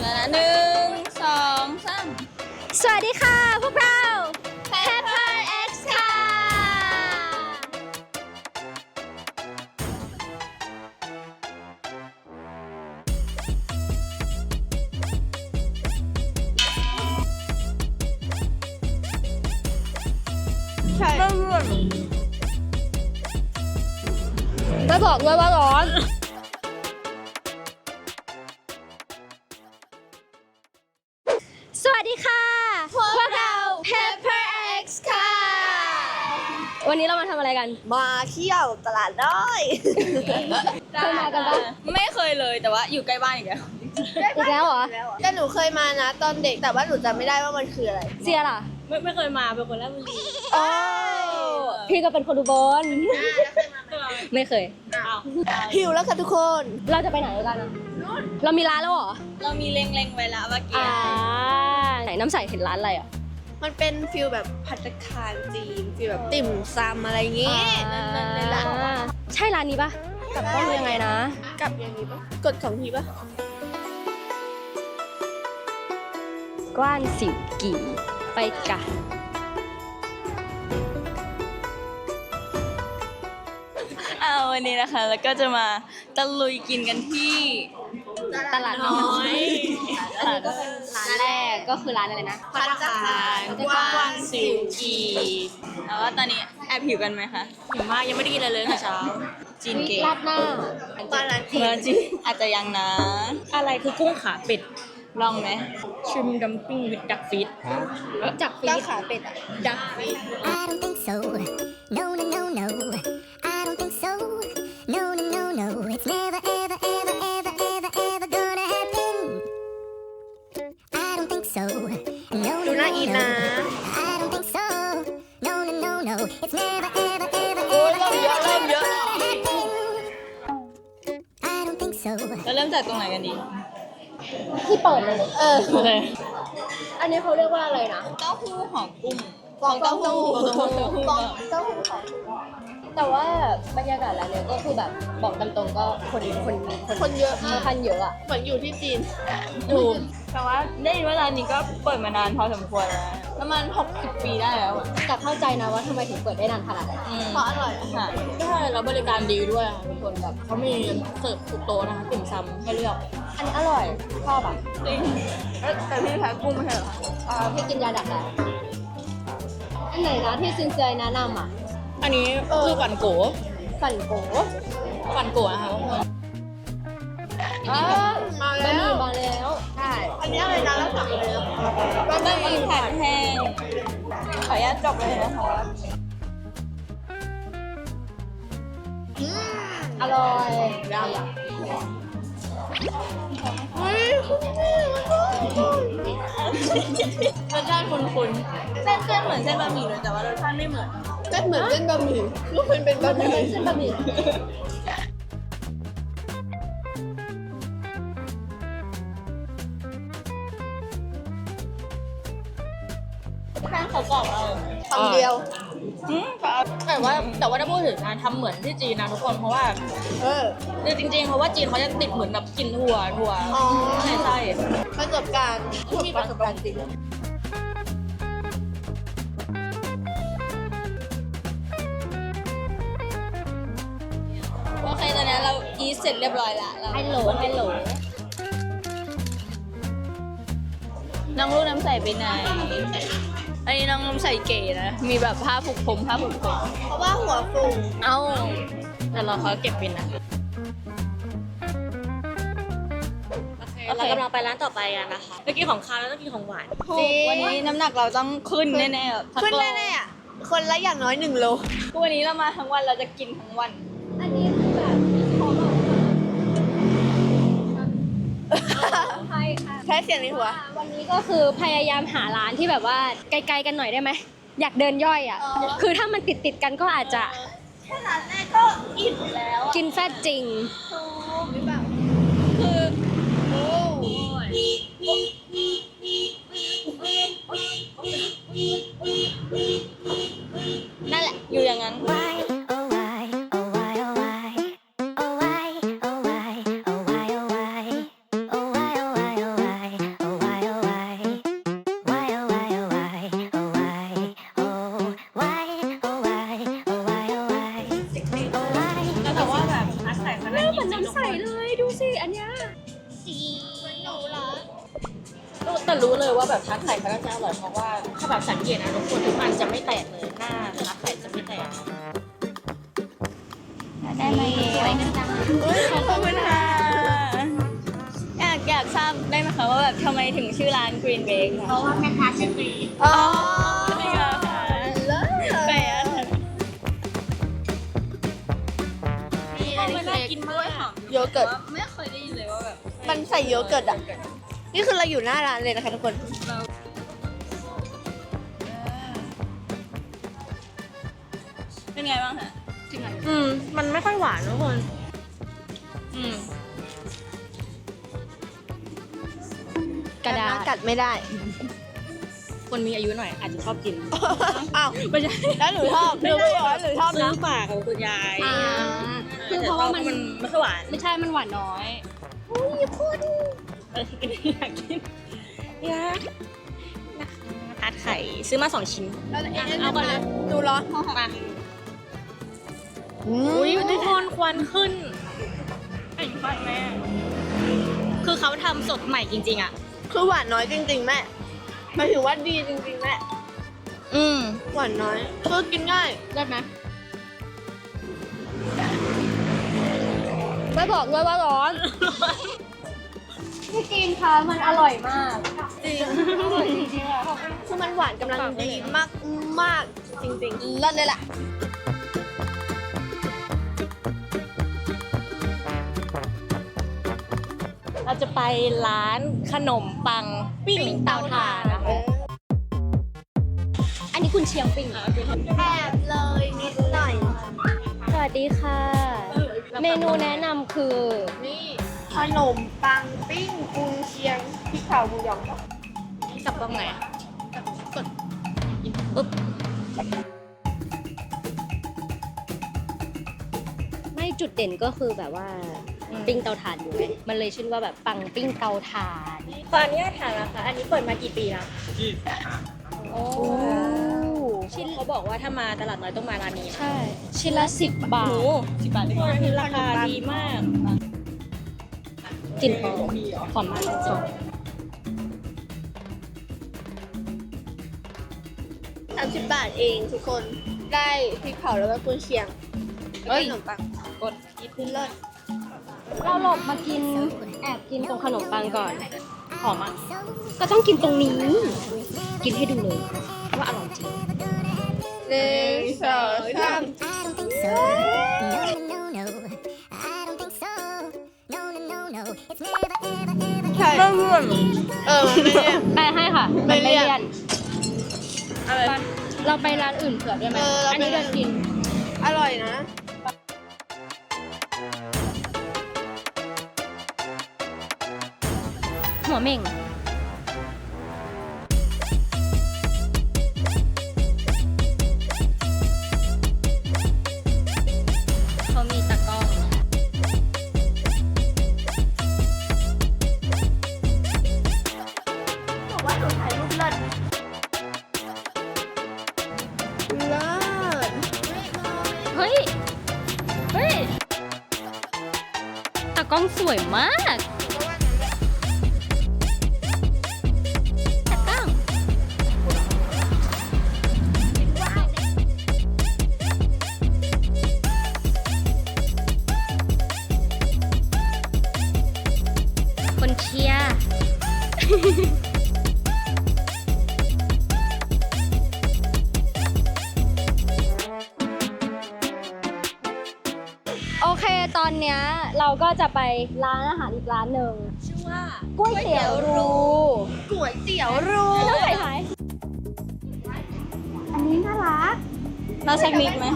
แล้วนะหนึ่งสองสามสวัสดีค่ะพวกเรา Pepper X ค่ะใช่ไม่บอกด้วยว่าร้อน สวัสดีค่ะ พวกเรา Pepper X ค่ะ วันนี้เรามาทำอะไรกันมาเที่ยวตลาดน้อยเคยมากันปะไม่เคยเลยแต่ว่าอยู่ใกล้บ้านอีกแล้วอีกแล้วเหรอแต่หนูเคยมานะตอนเด็กแต่ว่าหนูจำไม่ได้ว่ามันคืออะไรเสียล่ะไม่เคยมาเป็นคนแรกบุรีโอ้พี่ก็เป็นคนอุบลไม่เคยหิวแล้วค่ะทุกคนเราจะไปไหนกันอะเรามีร้านแล้วเหรอเรามีเล็งๆไว้แล้วเมื่อกี้ไหนน้ำใสเห็นร้านอะไรอ่ะมันเป็นฟิลแบบภัตตาคารจีนฟิลแบบติ่มซำอะไรอย่างงี้ในร้านใช่ร้านนี้ปะกลับต้องยังไงนะกับอย่างนี้ปะกด2 ทีปะกว้านสิวกี่ไปกะวันนี้นะคะแล้วก็จะมาตะลุยกินกันที่ตลาดน้อยอันนี้ก็เป็นร้านแรกก็คือร้านอะไรนะภัตตาคารกว้างสิวกีแล้วว่าตอนนี้แอบหิวกันไหมคะหิวมากยังไม่ได้กินอะไรเลยค่ะเช้าจีนเก๋ราดหน้าตอนนั้นเมื่อจีนอาจจะยังนะอะไรคือกุ้งขาเป็ดลองไหมชิมดัมปิ้งวิดดักฟีดจากฟีก้าวดขาเป็ดอ่ะดักฟีด I don't think so. No, no, no, no. I don't think so. No, no, no, no. It's never, ever, ever, ever, ever, ever gonna happen. I don't think so. No, ดู no, น่า no, อินนะ no. I don't think so. No, no, no, no. It's never, ever, ever, โอ้ย ever, เริ่มเยอะ ever, เริ่มเยอะ gonna happen. I don't think so. เราเริ่มจากตรงไหนกันดีที่เปิดเลยโอเคอันนี้เขาเรียกว่าอะไรนะเต้าหู้ห่อกุ้งฟองเต้าหู้ฟองเต้าหู้ฟองเต้าหู้ของแต่ว่าบรรยากาศร้านเนี้ยก็คือแบบบอกตามตรงก็คนคนเยอะค่อนข้างเยอะอะเหมือนอยู่ที่จีนถูกแต่ว่าได้ยินว่าร้านนี้ก็เปิดมานานพอสมควรแล้วประมาณ60 ปีได้แล้วอะแต่เข้าใจนะว่าทำไมถึงเปิดได้นานขนาดนั้นเพราะอร่อยอะค่ะใช่แล้วบริการดีด้วยค่ะทุกคนแบบเขามีเสิร์ฟทุกโต๊ะนะคะติ่มซำให้เลือกอันนี้อร่อยชอบอะจริงแต่พี่แพ้กุ้งไม่ใช่เหรอคะพี่กินยาดักแล้วอันไหนนะที่ซินเซียแนะนำอะอันนี้คือฝันโกฝันโกฝันโกนะคะทุกคนมาบะแล้หมี่วมาแล้วใช่อันนี้อะไรนะแล้วสั่งเลยนะก็จะมีแผ่นแห้งขออนุญาตจบเลยนะคะอร่อยรสชาติคุ้นๆเส้นเหมือนเส้นบะหมี่เลยแต่ว่ารสชาติไม่เหมือนเส้นเหมือนเส้นบะหมี่ลูกมันเป็นบะหมี่เส้นบะหมี่แป้งเขากรอบเราคำเดียวแต่ว่าถ้าพูดถึงนะทำเหมือนที่จีนนะทุกคนเพราะว่าเออคือจริงๆเพราะว่าจีนเขาจะติดเหมือนแบบกลินถั่วอ๋อใช่ใช่ประสบการณ์ที่ประสบการณ์จริงโอเคตอนนี้เราอีทเสร็จเรียบร้อยละเราไฮโหลไฮโหลน้องลูกน้ำใสไปไหนอันนี้น้องน้ำใสเก๋นะมีแบบผ้าผูกผมผ้าผูกผมเพราะว่าหัวฟูเอ้าแต่เราเขาเก็บบินนะโอเคเรากำลังไปร้านต่อไปกันนะคะเมื่อกี้ของคาวแล้วต้องกินของหวานถูกวันนี้น้ำหนักเราต้องขึ้นแน่ๆแบบสักขึ้นโลแน่ๆอ่ะ คนละอย่างน้อย1 โลวันนี้เรามาทั้งวันเราจะกินทั้งวันอันนี้คือแบบของเราใช่ค่ะแค่เสียงในหัววันนี้ก็คือพยายามหาร้านที่แบบว่าไกลๆกันหน่อยได้ไหมอยากเดินย่อยอ่ะ คือถ้ามันติดกันก็อาจจะแค่ร้านแรกก็อิ่มแล้วกินแฟตจริงหรือเปล่าคือโอ้นั่นแหละอยู่อย่างนั้น Why, oh why, oh why, oh why, oh why, oh why, oh why, oh why, oh why, oh why, oh why. แต่รู้เลยว่าแบบทาร์ตไข่เขาน่าจะอร่อยเพราะว่าถ้าแบบสังเกตนะทุกคนทุกอันจะไม่แตกเลยหน้าทาร์ตไข่จะไม่แตกได้ไหมสวยจังขอบคุณค่ะอยากทราบได้ไหมคะว่าแบบทำไมถึงชื่อร้าน Green Bake เพราะว่าแม่ค้าชื่อตีอ๋อจริงเหรอคะแปลกนี่อันนี้น่ากินมากโยเกิร์ตไม่เคยได้ยินเลยว่าแบบมันใส่โยเกิร์ตอ่ะ นี่คือเราอยู่หน้าร้านเลยนะคะทุกคนเป็นไงบ้างคะมันไม่ค่อยหวานทุกคนกระดาษกัดไม่ได้คนมีอายุหน่อยอาจจะชอบกินอ้าวไม่ใช่แล้วหนูชอบหนูบอกว่าหนูชอบซื้นะอฝากของคุณยายคือเพราะว่ามันไม่ค่อยหวานไม่ใช่มันหวานน้อยอยากกินเนี่ยทาร์ตไข่ซื้อมา2 ชิ้นเอาก่อนเลยดูร้อนมาอุ้ยทุกคนควันขึ้นเป็นไฟแม่คือเขาทำสดใหม่จริงๆอ่ะคือหวานน้อยจริงๆแม่หมายถึงว่าดีจริงๆแม่ หวานน้อยคือกินง่ายได้ไหมไม่บอกด้วยว่าร้อนพี่จีนคะมันอร่อยมากจริงคือมันหวานกำลังดีมากมากๆจริงๆเลิศเลยล่ะเราจะไปร้านขนมปังปิ้งเตาถ่านนะคะอันนี้คุณเชียงปิงแอบเลยนิดหน่อยสวัสดีค่ะ เมนูแนะนำคือนี่ขนมปังปิ้งกุนเชียงพริกเผาหมูหยองกับตรงไหนอะไม่จุดเด่นก็คือแบบว่าปิ้งเตาถ่านอยู่ไงมันเลยชื่อว่าแบบปังปิ้งเตาถ่านตอนนี้ถามราคาอันนี้เปิดมากี่ปีแล้วโอ้ชิ้นเขาบอกว่าถ้ามาตลาดน้อยต้องมาร้านนี้ใช่ ชิ้นละ10 บาท 10 บาททุกคนคือราคาดีมากกลิ่นหอมหอมมากจริง 30 บาทเองทุกคนได้พริกเผาแล้วก็กุนเชียงแล้วก็ขนมปังกดคือเลิศเราหลบมากินแอบกินตรงขนมปังก่อนหอมมากก็ต้องกินตรงนี้ กินให้ดูเลยว่าอร่อยจริง 1 2 3 I don't think so. No, no, no, no. I don't think so. No, no, no, no. It's never, ever, ever, ใช่ไม่เลี่ยนแปไม่เลี่ยนลให้ค่ะไม่เลี่ยนนเราไปร้านอื่นเผื่อได้ไหมเราอันไปนี้เดินกินอร่อยนะหัวเม่ง เขามีตะกร้องบอกว่าหนูถ่ายรูปเลิศเลิศเฮ้ย เฮ้ย ตะกร้องสวยมาก ตะกร้อง คนเชียร์ โอเค ตอนเนี้ยเราก็จะไปร้านอาหารอีกร้านหนึ่งชื่อว่าก๋วยเตี๋ยวรูก๋วยเตี๋ยวรูไม่ต้องใส่ท้ายอันนี้น่ารักเราสักนิดไหม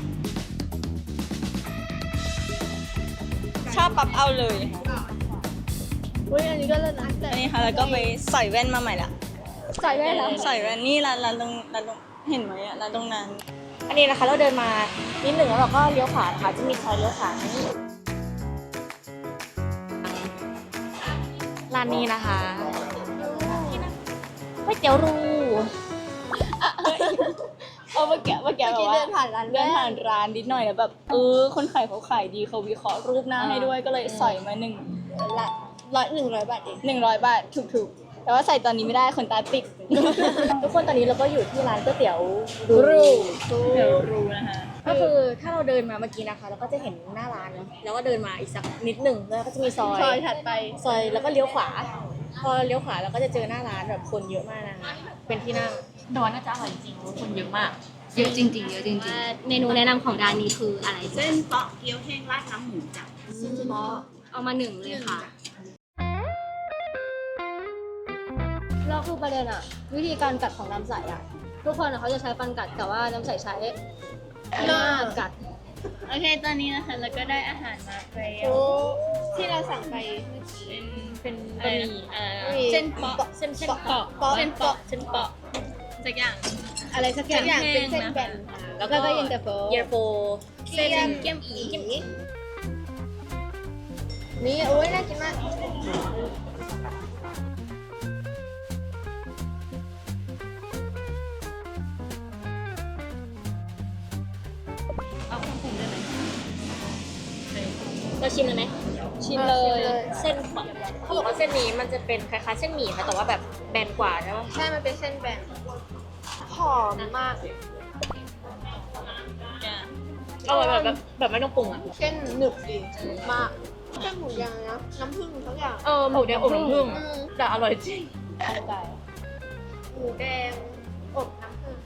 ชอบปั๊บเอาเลยอุ้ยอันนี้ก็เลิศนะแต่อันนี้ค่ะแล้วก็ไปใส่แว่นมาใหม่ละใส่ได้แล้วใส่แว่นนี่ร้านตรงเห็นไหมอะร้านตรงนั้นอันนี้นะคะเราเดินมานิดหนึ่งแล้วเราก็เลี้ยวขวานะคะจะมีซอยเลี้ยวขวานี่ร้านนี้นะคะก๋วยเตี๋ยวรูเมื่อกี้แบบเมื่อกี้ว่าเดินผ่านร้านเดินผ่านร้านนิดหน่อยแล้วแบบคนขายเขาขายดีเขาวิเคราะห์รูปหน้าให้ด้วยก็เลยใส่มาหนึ่งละ 100 บาทเอง 100 บาทถูกๆ แต่ว่าใส่ตอนนี้ไม่ได้คนตาปิดทุกคนตอนนี้เราก็อยู่ที่ร้านก๋วยเตี๋ยวเดี๋ยวรู้นะคะก็คือถ้าเราเดินมาเมื่อกี้นะคะเราก็จะเห็นหน้าร้านเนาะแล้วก็เดินมาอีกสักนิดหนึ่งแล้วก็จะมีซอยซอยถัดไปซอยแล้วก็เลี้ยวขวา พอเลี้ยวขวาเราก็จะเจอหน้าร้านแบบคนเยอะมากนะคะเป็นที่นั่งแต่ว่าน่าจะอร่อยจริงเพราะคนเยอะมากเยอะจริงๆเยอะจริงๆเมนูแนะนำของร้านนี้คืออะไรเส้นเปาะเกี๊ยวแห้งราดน้ำหมูจ้ะเอามา1เลยค่ะเราคือประเด็นอะวิธีการกัดของน้ำใสอะทุกคนอะเขาจะใช้ฟันกัดแต่ว่าน้ำใสใช้หน้ากัดโอเค ตอนนี้นะคะเราก็ได้อาหารมาแล้วที่เราสั่งไปเมื่อกี้เป็นบะหมี่เส้นเปาะเส้นเปาะเส้นเปาะสักอย่างอะไรสักอย่างเป็นเส้นแบนแล้วก็เย็นตาโฟเส้นเกี๊ยมอีนี่โอ้ยน่ากินมากเราชิมเลยไหมชิมเลยเส้นเปาะเขาบอกว่าเส้นนี้มันจะเป็นคล้ายๆเส้นหมี่ค่ะแต่ว่าแบบแบนกว่าใช่ปะใช่มันเป็นเส้นแบนหอมมากอร่อยแบบไม่ต้องปรุงอ่ะเส้นหนึบดีมากเส้นหมูยางนะน้ำผึ้งทุกอย่างหมูแดงอบน้ำผึ้งอืมแต่อร่อยจริงหมูแดงอบน้ำผึ้ง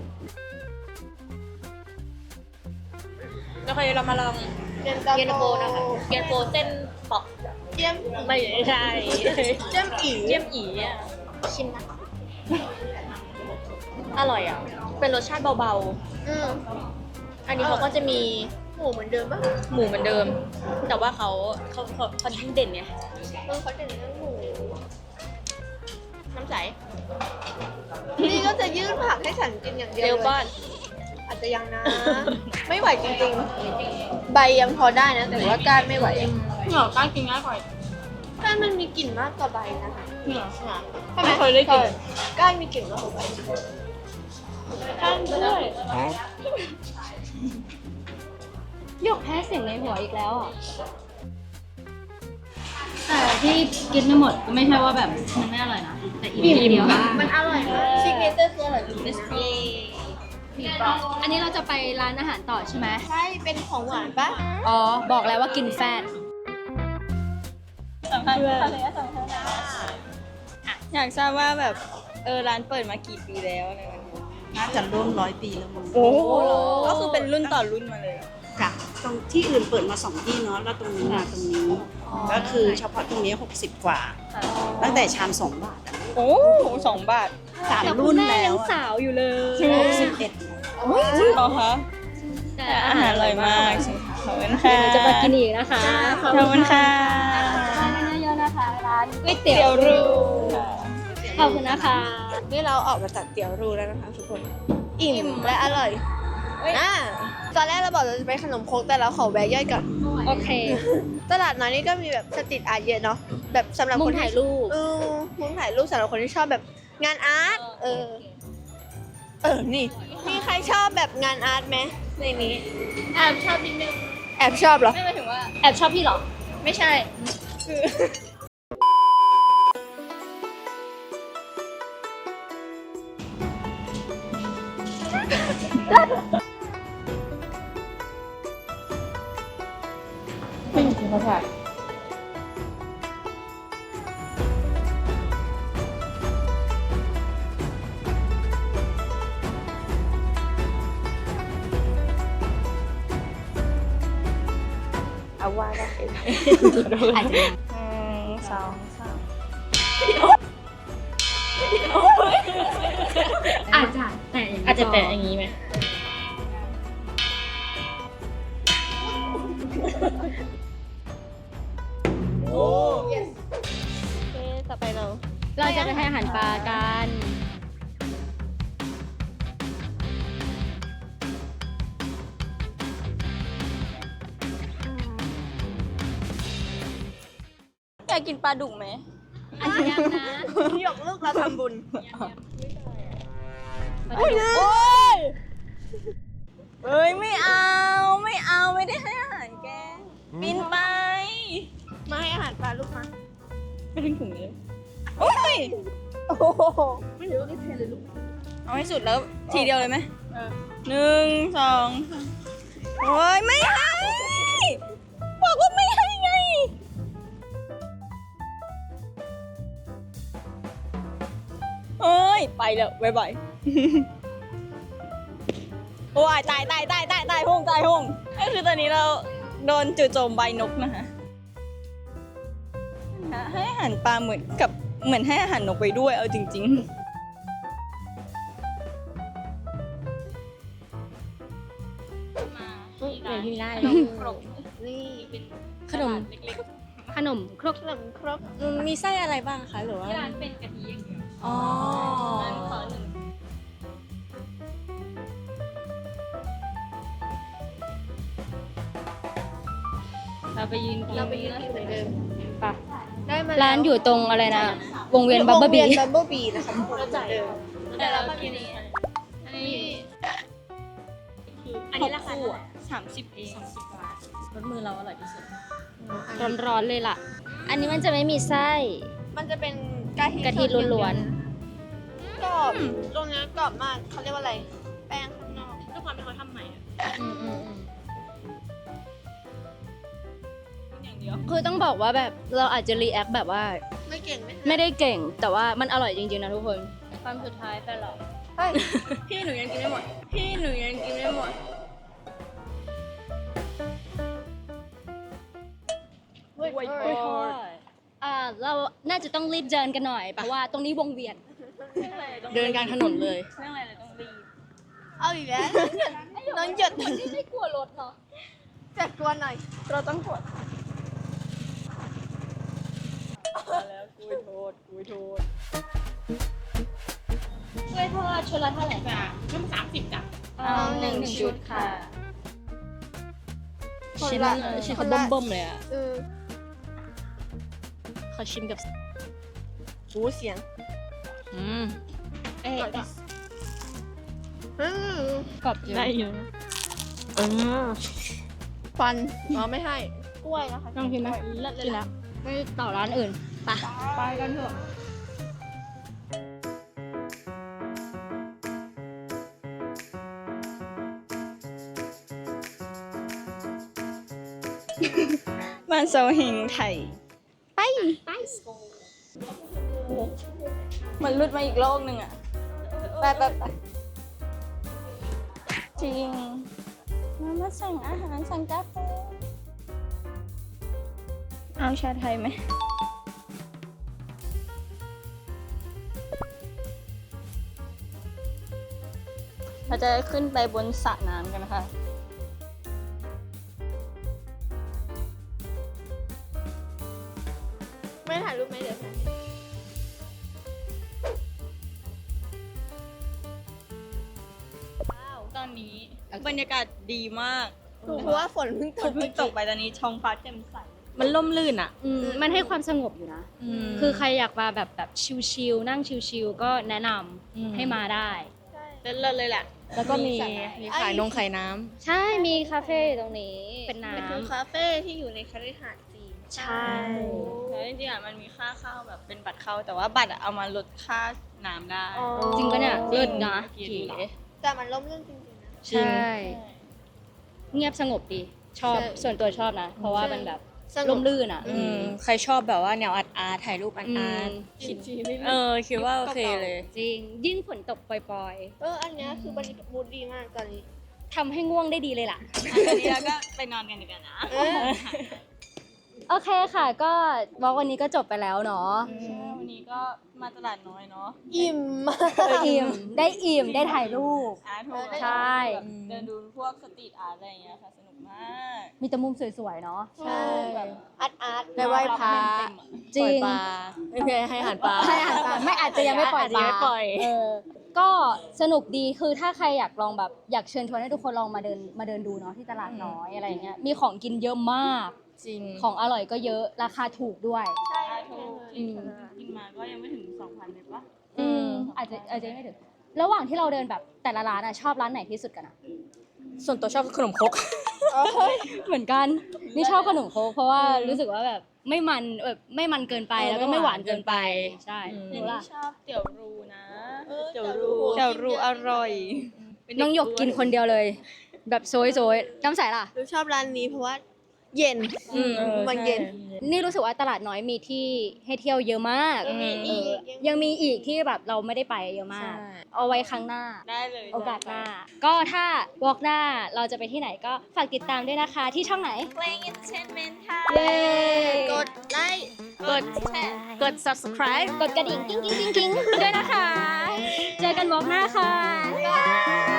แล้วคราวนี้เรามาลองเย็นตาเย็นตาโฟโฟนะคะเย็นตาโฟเส้นเปาะเยี่ยมไม่ใช่เยี่ยมอีเยี่ยมอีอ่ะชิมนะอร่อยอ่ะเป็นรสชาติเบาอืมๆอันนี้เขาก็จะมีหมูเหมือนเดิมป่ะหมูเหมือนเดิม แต่ว่าเขายิ่งเด่นไงเขาเด่นเรื่องหมูน้ำใสนี่ก็จะยื่นผักให้ฉันกินอย่างเดียวเร็วเลยก้อนอาจจะยังนะ ไม่ไหวจริงๆ ใบยังพอได้นะ แต่ว่าก้านไม่ไหวเหงาก้านกินง่ายกว่าก้านมันมีกลิ่นมากกว่าใบนะคะเหงาไม่เคยได้กินใช่ก้านมีกลิ่นมากกว่าใบก้านด้วยหยกแพ้เสียงในหัวอีกแล้วอ่ะ แต่ที่กินไม่หมดก็ไม่ใช่ว่าแบบมันไม่อร่อยนะ แต่อิ่มเดียวมันอร่อยมากซิกเนเจอร์คืออร่อยจริงอันนี้เราจะไปร้านอาหารต่อใช่ไหมใช่เป็นของหวานปะอ๋อ บอกแล้วว่ากินแฟตสัมภาษณ์เลยสัมภาษณ์อยากทราบว่าแบบร้านเปิดมากี่ปีแล้วอะไรแบบนี้น่าจะร่วม100 ปีแล้วมั้งโอ้ก็คือเป็นรุ่นต่อรุ่นมาเลยค่ะตรงที่อื่นเปิดมา2 ที่เนาะแล้วตรงนี้มาตรงนี้ ก็คือเฉพาะตรงนี้60 กว่า ตั้งแต่ชาม2 บาทอะโอ้2 บาท 3 รุ่นแล้วสาวอยู่เลย 61 จริงเหรอคะแต่อาหารอร่อยมากขอบคุณค่ะเดี๋ยวจะมากินอีกนะคะขอบคุณค่ะร้านเยอะๆนะคะ ร้านก๋วยเตี๋เตี๋ยยว วรูขอบคุณนะคะนี่เราออกมาจากเตี๋ยวรูแล้วนะคะทุกคน อิ่มและอร่อยตอนแรกเราบอกเราจะไปขนมครกแต่เราขอแวะย่อยก่อนโอเคตลาดน้อยนี่ก็มีแบบสตรีทอาร์ตเยอะเนาะ แบบสำหรับมุคมนที่ถ่ายรูปมุมถ่ายรูปสำหรับคนที่ชอบแบบงานอาร์ต นี่ มีใครชอบแบบงานอาร์ตไหมในนี้แอบชอบนิดนึงแอบชอบเหรอไม่หมายถึงว่าแอบชอบพี่เหรอไม่ใช่คือเอาว่าได้อาจจะยัง 2 3 อาจจะแต่อย่างนี้อาจจะแตะอย่างนี้ไหมโอเคต่อไปเราเราจะไปให้อาหารปลากันอยากกินปลาดุกไหมอันนี้ยังนะหยกลูกเราทำบุญเฮ้ยไม่เอาไม่ได้ให้อาหารแกบินไปมาให้อาหารปลาลูกมาไม่ถึงถุงเลยโอ้ยโอ้โหเอาให้สุดแล้วทีเดียวเลยไหม1 2 โอ้ยไม่ให้บอกว่าไม่ให้ไงเอ้ยไปแล้วบ๊ายบายโอ้ยตายห้องก็คือตอนนี้เราโดนจู่โจมใบนกนะคะให้อาหารปลาเหมือนให้อาหารนกไปด้วยเอาจริง ๆเดี๋ยวที่ได้นี่ขนมขนมครกขนมครกมีไส้อะไรบ้างคะหรือว่าที่ร้านเป็นกะทิอย่างเดียวอ๋อร้านขอหนึ่งเราไปยืนกินเราไปยืนกินเหมือนเดิมปะได้มาร้านอยู่ตรงอะไรนะ วงเวียนบับเบิ้ลบีบับเบิ้ลบีนะคะทุกคนเหมือนเดิมแต่เรากินนี้อันนี้อันนี้ราคา30 เองรสมือเราอร่อยที่สุดร้อนๆเลยล่ะ อันนี้มันจะไม่มีไส้มันจะเป็นกะทิล้วนๆกรอบตรงนี้กรอบมากเขาเรียกว่าอะไร แป้งข้างนอกด้วยความที่เขาทำใหม่อะ อย่างเดียวคือต้องบอกว่าแบบเราอาจจะรีแอคแบบว่าไม่เก่งไหมไม่ได้เก่ง แต่ว่ามันอร่อยจริงๆนะทุกคนความสุดท้ายไปหรอเฮ้ยพี่หนูยังกินไม่หมดเฮ้ยเราน่าจะต้องรีบเดินกันหน่อย เพราะว่าตรงนี้วงเวียนเดินกลางถนนเลยเรื่องอะไรเลยต้องรีบเอาอีกแล้วน้องหยดไม่กลัวรถเนาะจัดกวนหน่อยเราต้องกดแล้วกุยโทษกล้วยทอดชุดละเท่าไหร่คะเอา1 ชุดค่ะ ชิ้นเขาเบิ่มๆเลยอ่ะ ขอชิมกับหูเสียงเอ๊ะอืมกรอบจริงได้อยู่ฟันอ๋อไม่ให้กล้วยนะคะลองกินไหมกินแล้วไม่ต่อร้านอื่นไปกันเถอะบ้านโซเฮงไทย ไปมันหลุดมาอีกโลกหนึ่งอ่ะ ไปจริงมาสั่งอาหารสั่งกาแฟเอาชาไทยไหมเราจะขึ้นไปบนสระน้ำกันนะคะไม่ถ่ายรูปไหมเดี๋ยวถ่ายตอนนี้บรรยากาศดีมากถูกเพราะว่าฝนเพิ่งตฝกนเพิ่งตกไปตอนนี้ท้องฟ้าแจ่มใส มันล่มลื่นอ่ะมันให้ความสงบอยู่นะ คือใครอยากมาแบบชิลๆนั่งชิลๆก็แนะนำให้มาได้เลิศเลยแหละ แล้วก็มีขายขายน้ใช่มีคาเฟ่อยู่ตรงนี้ เป็นน้คือคาเฟ่ที่อยู่ในคฤหาสน์จีนำใช่แล้วจริงๆอ่ะมันมีค่าเข้าแบบเป็นบัตรเข้า แต่ว่าบัตรอะเอามาลดค่าน้ำได้จริงปะเนี่ยจริงเลิศนะเก๋เก๋แต่มันร่มรื่นจริงๆนะใช่ เงียบสงบดี ชอบใช่ส่วนตัวชอบนะ เพราะว่ามันแบบสงบร่มรื่นอ่ะใครชอบแบบว่าแนวอาร์ตถ่ายรูปอาร์ตคิดคิดว่าโอเคเลยจริง ยิ่งฝนตกปล่อยอันเนี้ยคือบรรยากาศมูดดีมากตอนนี้ๆทำให้ง่วงได้ดีเลยล่ะอันนี้เราก็ไปนอนกันดีกว่านะโอเคค่ะ ก็วอล์กวันนี้ก็จบไปแล้วเนาะวันนี้ก็มาตลาดน้อยเนาะอิ่มมากอิ่มได้ถ่ายรูปอาร์ตถูกใช่เดินดูพวกสตรีทอาร์ตอะไรอย่างเงี้ยค่ะสนุกมากมีแต่มุมสวยๆเนาะใช่อาร์ตได้ไหว้พระจริงไม่เคยให้อาหารปลาให้อาหารปลาไม่อาจจะยังไม่ปล่อยอาจจะยังไม่ปล่อยก็สนุกดีคือถ้าใครอยากลองแบบอยากเชิญชวนให้ทุกคนลองมาเดินดูเนาะที่ตลาดน้อยอะไรอย่างเงี้ยมีของกินเยอะมากจริงของอร่อยก็เยอะราคาถูกด้วยถูกกินมาก็ยังไม่ถึง 2,000เลยปะอาจจะไม่ถึงระหว่างที่เราเดินแบบแต่ละร้านอะชอบร้านไหนที่สุดกันอะส่วนตัวชอบขนมครกเหมือนกันนี่ชอบขนมโค้กเพราะว่ารู้สึกว่าแบบไม่มันแบบไม่มันเกินไปแล้วก็ไม่หวานเกินไปใช่หนูรู้ล่ะชอบเตี๋ยวรูนะเตี๋ยวรูเดี๋ยวรู้อร่อยน้องหยกกินคนเดียวเลย แบบโซยน้ำใสล่ะหนูชอบร้านนี้เพราะว่าเย็น มันเย็นนี่รู้สึกว่าตลาดน้อยมีที่ให้เที่ยวเยอะมาก ยังมีอีกที่แบบเราไม่ได้ไปเยอะมากใช่เอาไว้ครั้งหน้าได้เลยโอกาสหน้า ก็ถ้าวอล์กหน้าเราจะไปที่ไหนก็ฝากติดตามด้วยนะคะที่ช่องไหน Playing Entertainment ค่ะเย้กดไลค์กดแชร์ กด subscribe กดกระดิ่งกิ้งด้วยนะคะ เจอกันวอล์กหน้าค่ะ